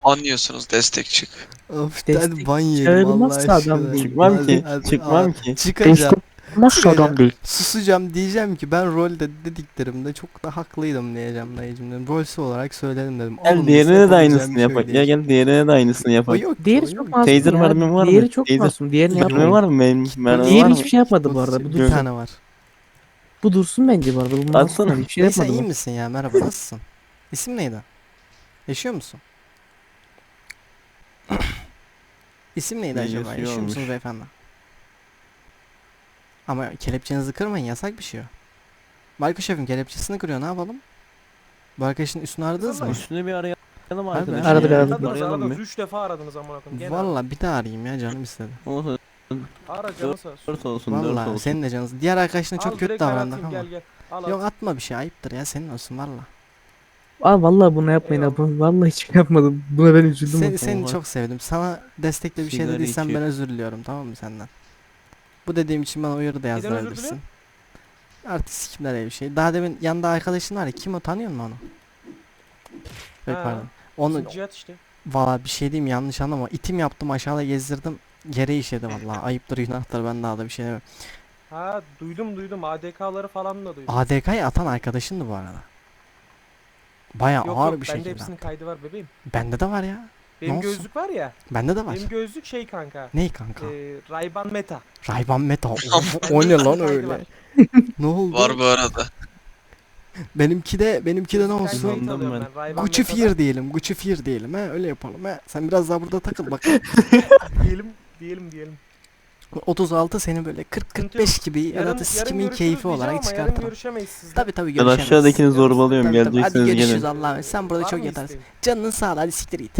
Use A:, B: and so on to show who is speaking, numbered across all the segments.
A: Anlıyorsunuz destek çık.
B: Of hadi
C: Destek
B: ban yiyelim Allah
C: çağırmazsa adam
B: aşkına.
C: değil.
D: Çıkmam
B: Hadi,
D: ki.
B: hadi,
D: Çıkmam ki.
B: Çıkacağım.
C: Nasıl adam değil?
B: Susacağım diyeceğim ki ben rolde dediklerimde çok da haklıydım diyeceğim dayıcım dedim. Rolsü olarak söyledim dedim.
D: Gel
B: Alınmışsa
D: diğerine de
B: yapabileceğim
D: aynısını
B: bir şey
D: yapak.
B: değil.
D: Gel diğerine de aynısını
B: O
D: yapak.
B: yok.
C: Diğeri
B: o
C: çok
B: yok.
C: masum
D: Taser
C: ya.
D: mermim var mı?
C: Diğeri çok
D: Taser-
C: masum. Diğerini
B: Yok.
D: Mermi
C: yapmayın.
D: var mı? Benim mermi
C: Diğeri
D: var mı?
C: hiçbir şey yapmadı bu arada. Bu
B: Bir
C: dursun.
B: tane var.
C: Bu dursun bence bu arada. Bu
D: Atsana.
C: masum yani. Bir şey
B: Neyse
C: yapmadı
B: iyi
C: bu.
B: misin ya? Merhaba nasılsın? İsim neydi? Yaşıyor musun? İsim neydi
D: Ne
B: acaba?
D: yaşıyor
B: Yaşıyor
D: olmuş.
B: musunuz beyefendi? Ama kelepçenizi kırmayın yasak bir şey o. Marka şefim kelepçesini kırıyor ne yapalım? Bu arkadaşın üstünü aradınız mı?
D: Üstüne bir arayalım
B: Harbi.
D: arkadaşım.
C: Aradık,
D: ya.
C: aradık.
D: Arayalım
E: Aradınız
D: bir.
E: 3 defa aradınız amına koyayım. Gene
B: Valla bir daha arayayım ya canım istedi.
D: Olsun.
E: ara canı sağ olsun.
D: 4 olsun 4
B: Valla
D: olsun.
B: senin de canın. Diğer arkadaşına çok
E: Al
B: kötü
E: direkt ben
B: davrandık
E: atayım,
B: ama.
E: gel gel. Al
B: Yok
E: al.
B: atma bir şey ayıptır ya senin olsun valla.
C: Aa vallahi bunu yapmayın
E: Eyvallah.
C: abi. Vallahi hiç yapmadım. Buna ben üzüldüm.
B: Seni
D: Oha.
B: çok sevdim. Sana destekle bir şey
D: Sigara
B: dediysem ben
D: içiyor.
B: özür diliyorum tamam mı senden? Bu dediğim için bana uyarı da
E: özür
B: yazdırabilirsin.
E: diliyor?
B: Artık sikimler öyle bir şey. Daha demin yanında arkadaşın var ya kim o tanıyor musun onu? Yok
E: Ha.
B: pardon. Onu
E: Bizim Cihat işte.
B: valla bir şey diyeyim yanlış anlama. İtim yaptım aşağıda gezdirdim. Yere işedi valla. Ayıptır günahtır ben daha da bir şey demem.
E: Ha duydum ADK'ları falan da duydum.
B: ADK'yı atan arkadaşındı bu arada. Baya
E: Yok
B: ağır
E: yok
B: bir
E: bende
B: şekilde.
E: hepsinin kaydı var bebeğim.
B: Bende de var ya.
E: Benim
B: olsun?
E: gözlük var ya.
B: Bende de var.
E: Benim gözlük şey kanka.
B: Ney kanka?
E: Ray-Ban Meta.
B: Ray-Ban Meta. Of,
E: Bende
B: o ne
E: hepsinin
B: lan
E: kaydı
B: öyle?
E: var.
B: Ne oldu?
A: Var bu arada.
B: Benimki de ne
E: Ben
B: olsun?
E: kayıt
D: Anladım
E: alıyorum
D: ben.
E: Ray-Ban
B: Gucci
E: Meta'dan.
B: Fear diyelim. Gucci Fear diyelim. He öyle yapalım. He. Sen biraz daha burada takıl bak.
E: Diyelim.
B: 36 seni böyle 40-45 gibi ya da sikimin
E: görüşürüz
B: keyfi
E: diyeceğim
B: olarak
E: ama yarın
B: çıkartalım.
E: görüşemeyiz sizle.
B: Tabi
D: Ben
B: görüşemeyiz.
D: aşağıdakini zorbalıyorum.
B: Tabii, tabii. Hadi
D: Geleceksiniz
B: görüşürüz
D: gelin.
B: Allah'a. Sen burada
E: Var
B: çok
E: mı
B: yatarsın.
E: isteğin?
B: Canının sağ ol hadi siktir git.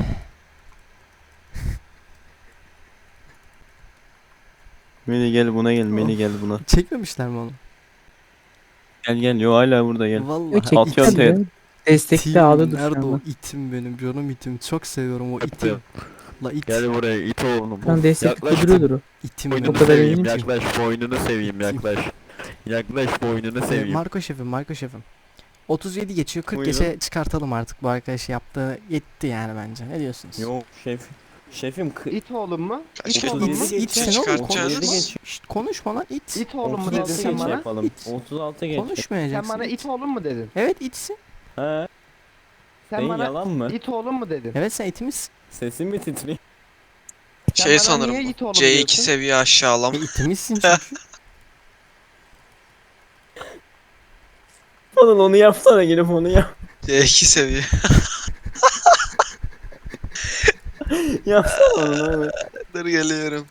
D: Meli gel buna gel. Meli gel buna.
B: Çekmemişler mi onu?
D: Gel. Yo hala burada gel.
B: Vallahi.
C: Yok
D: Atıyor
C: çektikler
D: atıyor.
C: ya. Destekli
B: İtim,
C: ağda dur şu
B: nerede o
C: anda.
B: itim benim canım itim. Çok seviyorum o itim. La it.
F: Gel buraya it oğlum.
C: Şu an destekli duruyordur o.
B: İtim
F: Boynunu
C: O kadar
F: seveyim,
C: eminim ki.
F: yaklaş boynunu seveyim yaklaş. Yaklaş boynunu seveyim.
B: Marco şefim. 37 geçiyor 40
D: Buyurun.
B: geçe çıkartalım artık bu arkadaş yaptığı yetti yani bence. Ne diyorsunuz?
D: Yok şefim
G: İt oğlum mu?
A: Kaç
G: İt
A: kez
G: oğlum mu?
B: İt, it sen oğlum
A: çıkartacaksınız?
B: konuş. Şşt, konuşma lan it.
G: İt oğlum mu
D: 36
G: dedin sen
D: geç
G: bana?
D: yapalım.
B: İt.
D: 36 geç.
G: Sen
B: Konuşmayacaksın.
G: bana it oğlum mu dedin?
B: Evet itsin.
D: He.
G: Sen
D: Senin
G: bana
D: yalan mı?
G: it oğlum mu dedin?
B: Evet sen itimiz.
D: Sesin mi titriyor?
G: Sen
A: Şey
G: bana
A: sanırım
G: niye
A: bu.
G: it oğlum
A: C2
G: diyorsun?
A: seviye aşağılama.
B: İtimizsin çünkü.
D: Falan onu yapsana gelip onu yap.
A: C2 seviye.
D: Yapsana onu abi.
A: Dur geliyorum.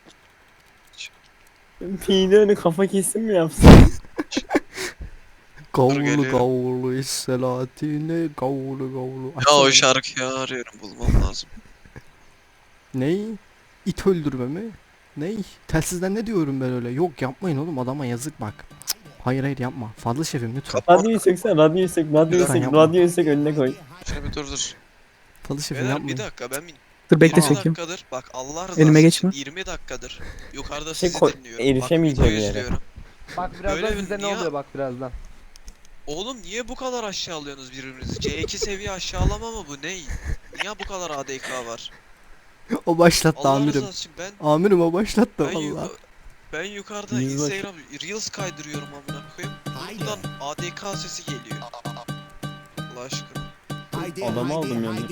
D: Pide önü kafa kesim mi yapsın?
B: Gavulu
A: geliyorum.
B: gavulu Selahattin'e gavulu.
A: Ya o
B: Açsana.
A: şarkıyı arıyorum bulmam lazım.
B: Ney? İt öldürme mi? Ney? Telsizden ne diyorum ben öyle? Yok yapmayın oğlum adama yazık bak. Cık, hayır yapma. Fazla şefim lütfen.
D: Radyoyu söksen radyoyu sök
B: Lütfen yapma.
D: radyoyu sök önüne koy.
A: Şöyle bir dur.
B: Fazla şefim
A: Beyler
B: yapmayın.
A: bir dakika ben
C: Dur bekle
A: 20
C: çekeyim.
A: dakikadır bak Allah rızası
C: Önüme
A: için
C: geçme.
A: 20 dakikadır yukarıda
D: Şey
A: sizi
D: koy-
A: dinliyorum.
D: erişemeyeceğim
A: bak, video
D: yere.
A: izliyorum.
G: Bak birazdan
A: Böyle
G: sizde ne
A: niye-
G: oluyor bak birazdan.
A: Oğlum niye bu kadar aşağılıyorsunuz birbirinizi? C2 seviye aşağılama mı bu ne? Niye bu kadar ADK var?
B: O başlattı
A: Allah
B: amirim.
A: rızası için
B: Amirim o başlattı
A: ben,
B: valla.
A: ben yukarıda
D: Yüzbaşı.
A: Instagram Reels kaydırıyorum amına koyayım. Buradan ADK sesi geliyor. Allah aşkına.
D: Adamı aldım yani.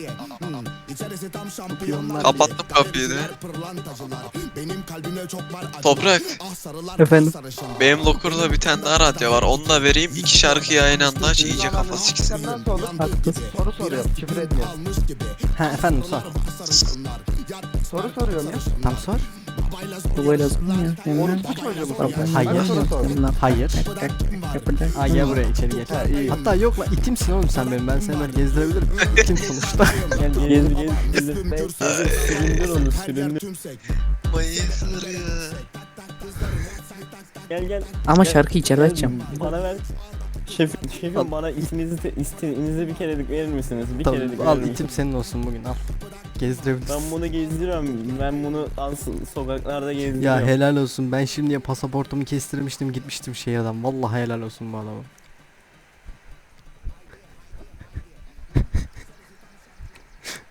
A: Kapattım kapıyı da. Toprak.
C: Efendim.
A: Benim Locker'da bir tane daha radyo var. Onu da vereyim. İki şarkıyı aynı anda aç iyice kafa siksin.
G: Sen nasıl olur?
C: Haklısın.
G: Soru soruyorum küfür etmiyorum.
B: Ha efendim sor.
G: Soru soruyorum ya.
B: Tam sor.
C: Bu böyle lazım ya. Seninle.
G: Orospu çocuğu musun?
B: Hayır.
G: Bana soru sor.
B: Hayır.
C: Yapacak.
B: Aa gel buraya içeri geç.
G: Ha, iyi.
B: Hatta yok lan itimsin oğlum sen benim. Ben seni böyle gezdirebilirim. İtim sonuçta.
D: Gel gezdir. Süründür onu süründür.
A: Mayısır ya.
D: Gel.
C: Ama şarkı içeride açacağım.
D: Bana ver. Şefim bana isminizi bir kerelik verir misiniz? Bir kerelik
B: Tamam al
D: verir misiniz?
B: itim senin olsun bugün al. Gezdirebilirsin.
D: Ben bunu gezdiriyorum. Ben bunu sokaklarda gezdiriyorum.
B: Ya helal olsun. Ben şimdiye pasaportumu kestirmiştim gitmiştim şehirden. Vallahi helal olsun bu adama.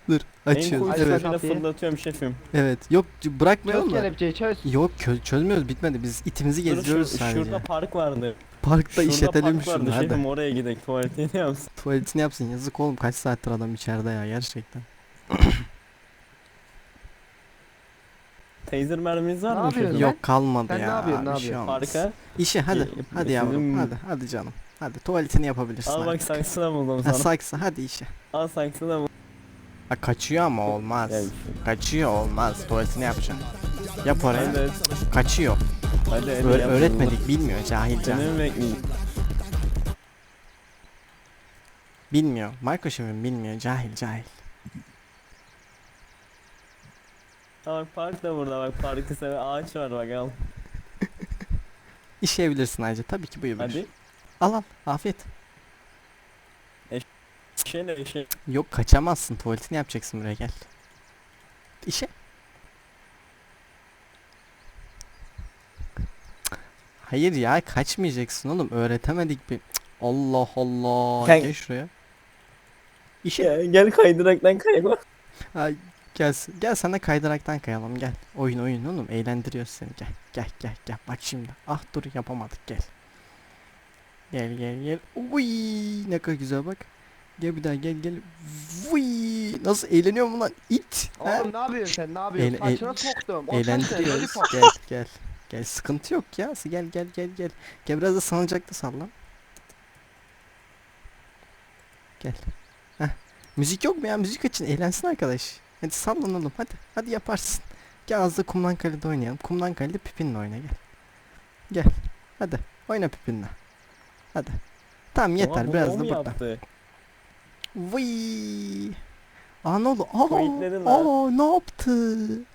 B: Dur
D: En
B: açıyoruz.
D: kuytu
B: Evet.
D: şöyle fırlatıyorum şefim.
B: Evet. Yok bırakmayalım
G: Çöz
B: da.
G: kelepçeyi çöz.
B: Yok çözmüyoruz bitmedi. Biz itimizi
D: Dur,
B: geziyoruz sadece.
D: şurada park vardı.
B: Parkta
D: Şurada
B: işletelim
D: park vardı
B: şunu hadi.
D: şefim, oraya gidelim tuvaletini yapsın.
B: Tuvaletini yapsın yazık oğlum kaç saattir adam içeride ya gerçekten.
D: Taser merminiz var
G: Ne
D: mı
G: yapıyorsun
D: şefim?
G: lan?
B: Yok kalmadı
G: Sen
B: ya.
G: ne yapıyorsun, ne
B: bir şey
G: yapıyorsun?
B: olmaz.
D: Parka.
B: İşe hadi.
D: Ya,
B: Hadi yavrum
D: sizin-
B: hadi canım. Hadi tuvaletini yapabilirsin
D: Al bak
B: artık.
D: saksına buldum
B: Ha,
D: sana.
B: saksı hadi işe.
D: Al saksına buldum.
B: Ha, kaçıyor ama olmaz.
D: Gel.
B: Kaçıyor olmaz. Tuvaletini yapacağım. Yap oraya.
D: Evet.
B: Kaçıyor.
D: Hadi
B: Öğretmedik bilmiyor cahil
D: Seni
B: cahil.
D: mi bekleyeyim?
B: Bilmiyor. Marco şefim bilmiyor cahil cahil.
D: Ha bak park da burada, bak parkı seven ağaç var bak, al.
B: İşeyebilirsin ayrıca tabii ki buyur.
D: Hadi.
B: Al afiyet.
D: Şey.
B: Yok kaçamazsın tuvaletini yapacaksın buraya gel. İşe. Hayır ya kaçmayacaksın oğlum öğretemedik bir. Cık, Allah Allah.
D: Sen-
B: Gel şuraya. İşe.
D: Gel kaydıraktan kayma.
B: Ha, gel sana kaydıraktan kayalım gel. Oyun oğlum eğlendiriyor seni gel. Bak şimdi. Ah dur yapamadık gel. Gel. Uy ne kadar güzel bak. Gel bir daha gel. Uy nasıl eğleniyor mu lan it? Ha?
G: Oğlum ne yapıyorsun sen, ne yapıyorsun?
B: Eğlen-
G: Saçına soktum. O saç ne?
B: Eğlendiriyoruz.
G: Lollipop.
B: Gel sıkıntı yok ya. Gel. Gel biraz da salıncakta sallan. Gel. Heh. Müzik yok mu ya? Müzik açın. Eğlensin arkadaş. Hadi sallan oğlum. Hadi yaparsın. Gel az da kumdan kalede oynayalım. Kumdan kalede Pipin'le oyna gel. Gel. Hadi. Oyna Pipin'le. Hadi. Tamam yeter. Biraz da burada.
D: Yaptı?
B: Vıy. Aa ne oldu?
D: Tweetledin lan.
B: Ne yaptı?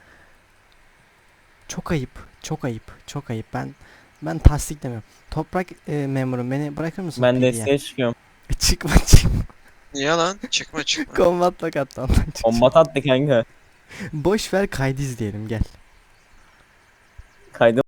B: Çok ayıp. Ben tasdiklemiyorum. Toprak memurum beni bırakır mısın?
D: Ben
B: PD'ye?
D: desteğe çıkıyorum.
B: Çıkma.
A: Niye lan? Çıkma.
B: Kombat bak hatta ondan çık.
D: Kombat attı kanka.
B: Boş ver kaydı izleyelim gel.
D: Kaydı